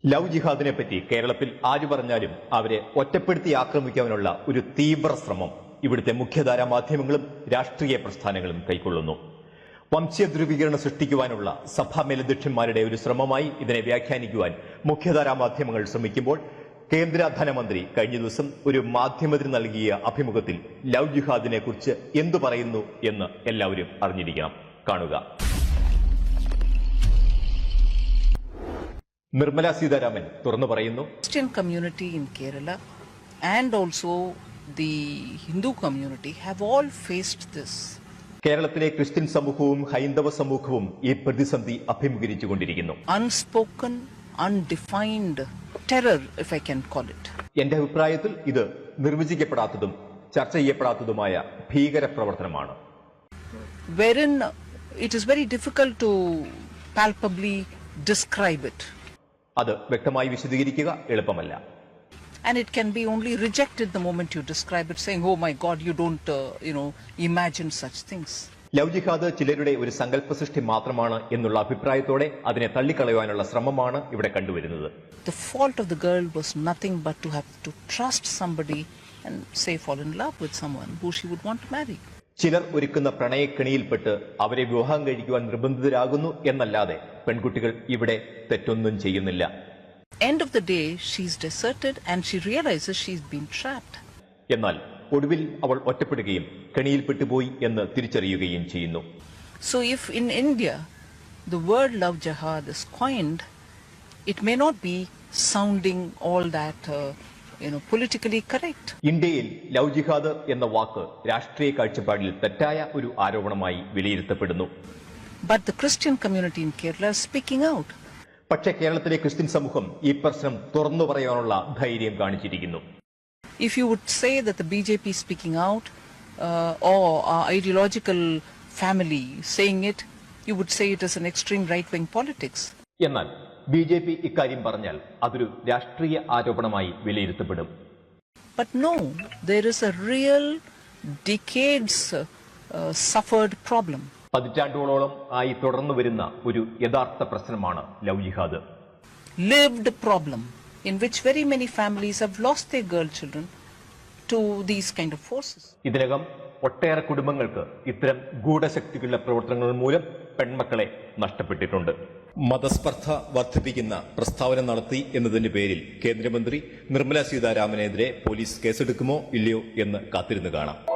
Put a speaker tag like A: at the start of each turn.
A: Love ജിഹാദിനെ പറ്റി കേരളത്തിൽ ആര് പറഞ്ഞാലും അവരെ ഒറ്റപ്പെടുത്തി ആക്രമിക്കാനുള്ള ഒരു തീവ്ര ശ്രമം ഇവിടുത്തെ മുഖ്യധാരാ മാധ്യമങ്ങളും രാഷ്ട്രീയ പ്രസ്ഥാനങ്ങളും കൈക്കൊള്ളുന്നു. വംശീയ ധ്രുവീകരണം സൃഷ്ടിക്കുവാനുള്ള സഭാ മേലധ്യക്ഷന്മാരുടെ ഒരു ശ്രമമായി ഇതിനെ വ്യാഖ്യാനിക്കുവാൻ മുഖ്യധാരാ മാധ്യമങ്ങൾ ശ്രമിക്കുമ്പോൾ കേന്ദ്ര ധനമന്ത്രി കഴിഞ്ഞ ദിവസം ഒരു മാധ്യമത്തിന് നൽകിയ അഭിമുഖത്തിൽ ലവ് ജിഹാദിനെ കുറിച്ച് എന്തു പറയുന്നു എന്ന് എല്ലാവരും അറിഞ്ഞിരിക്കണം. കാണുക. നിർമ്മല സീതാരാമൻ തുറന്നു പറയുന്നു,
B: Christian community in Kerala and also the Hindu community have all faced this.
A: കേരളത്തിലെ ക്രിസ്ത്യൻ സമൂഹവും ഹൈന്ദവ സമൂഹവും ഈ പ്രതിസന്ധി അഭിമുഖീകരിച്ചുകൊണ്ടിരിക്കുന്നു.
B: Unspoken, undefined terror, if I can call it.
A: എന്റെ അഭിപ്രായത്തിൽ ഇത് നിർവചിക്കപ്പെടാത്തതും ചർച്ച ചെയ്യപ്പെടാത്തതുമായ ഭീകര പ്രവർത്തനമാണ്.
B: Wherein it is very difficult to palpably describe it.
A: അത് വ്യക്തമായി വിശദീകരിക്കുക എളുപ്പമല്ല.
B: And it can be only rejected the moment you describe it, saying, oh my God, you don't, imagine such things.
A: Love ജിഹാദ് ചിലരുടെ ഒരു സങ്കല്പ സൃഷ്ടി മാത്രമാണ് എന്നുള്ള അഭിപ്രായത്തോടെ അതിനെ തള്ളിക്കളയാനുള്ള ശ്രമമാണ് ഇവിടെ കണ്ടുവരുന്നത്.
B: The fault of the girl was nothing but to have to trust somebody and say fall in love with someone who she would want to marry.
A: ചിലർ ഒരുക്കുന്ന പ്രണയക്കെണിയിൽപ്പെട്ട് അവരെ വിവാഹം കഴിക്കുവാൻ നിർബന്ധിതരാകുന്നു എന്നല്ലാതെ പെൺകുട്ടികൾ ഇവിടെ തെറ്റൊന്നും ചെയ്യുന്നില്ല.
B: End of the day, she's deserted and she realizes she's been trapped.
A: എന്നാൽ ഒടുവിൽ അവൾ ഒറ്റപ്പെടുകയും കെണിയിൽപ്പെട്ടുപോയി എന്ന് തിരിച്ചറിയുകയും ചെയ്യുന്നു.
B: So if in India the word love jihad is coined, it may not be sounding all that politically correct.
A: ഇന്ത്യയിൽ love ജിഹാദ് എന്ന വാക്ക് രാഷ്ട്രീയ കാഴ്ചപ്പാടിൽ തെറ്റായ ഒരു ആരോപണമായി വിലയിരുത്തപ്പെടുന്നു.
B: But the Christian community in Kerala is speaking out.
A: പക്ഷേ കേരളത്തിലെ ക്രിസ്ത്യൻ സമൂഹം ഈ പ്രശ്നം തുറന്നു പറയാനുള്ള ധൈര്യം കാണിച്ചിരിക്കുന്നു.
B: If you would say that the BJP is speaking out or our ideological family saying it, you would say it is an extreme right-wing politics.
A: എന്നാൽ BJP ഇക്കാര്യം പറഞ്ഞാൽ അതൊരു രാഷ്ട്രീയ ആരോപണമായി വിലയിരുത്തപ്പെടും.
B: But no, there is a real decades suffered problem.
A: പതിറ്റാണ്ടുകളോളം ആയി തുടർന്നു വരുന്ന ഒരു യഥാർത്ഥ പ്രശ്നമാണ് ലവ് ജിഹാദ്.
B: Lived problem in which very many families have lost their girl children to these kind of forces.
A: ഇതിനകം ഒട്ടേറെ കുടുംബങ്ങൾക്ക് ഇത്തരം ഗൂഢശക്തികളുടെ പ്രവർത്തനങ്ങൾ മൂലം പെൺമക്കളെ നഷ്ടപ്പെട്ടിട്ടുണ്ട്. മതസ്പർദ്ധ വർദ്ധിപ്പിക്കുന്ന പ്രസ്താവന നടത്തി എന്നതിന്റെ പേരിൽ കേന്ദ്രമന്ത്രി നിർമ്മല സീതാരാമനെതിരെ പോലീസ് കേസെടുക്കുമോ ഇല്ലയോ എന്ന് കാത്തിരുന്ന് കാണാം.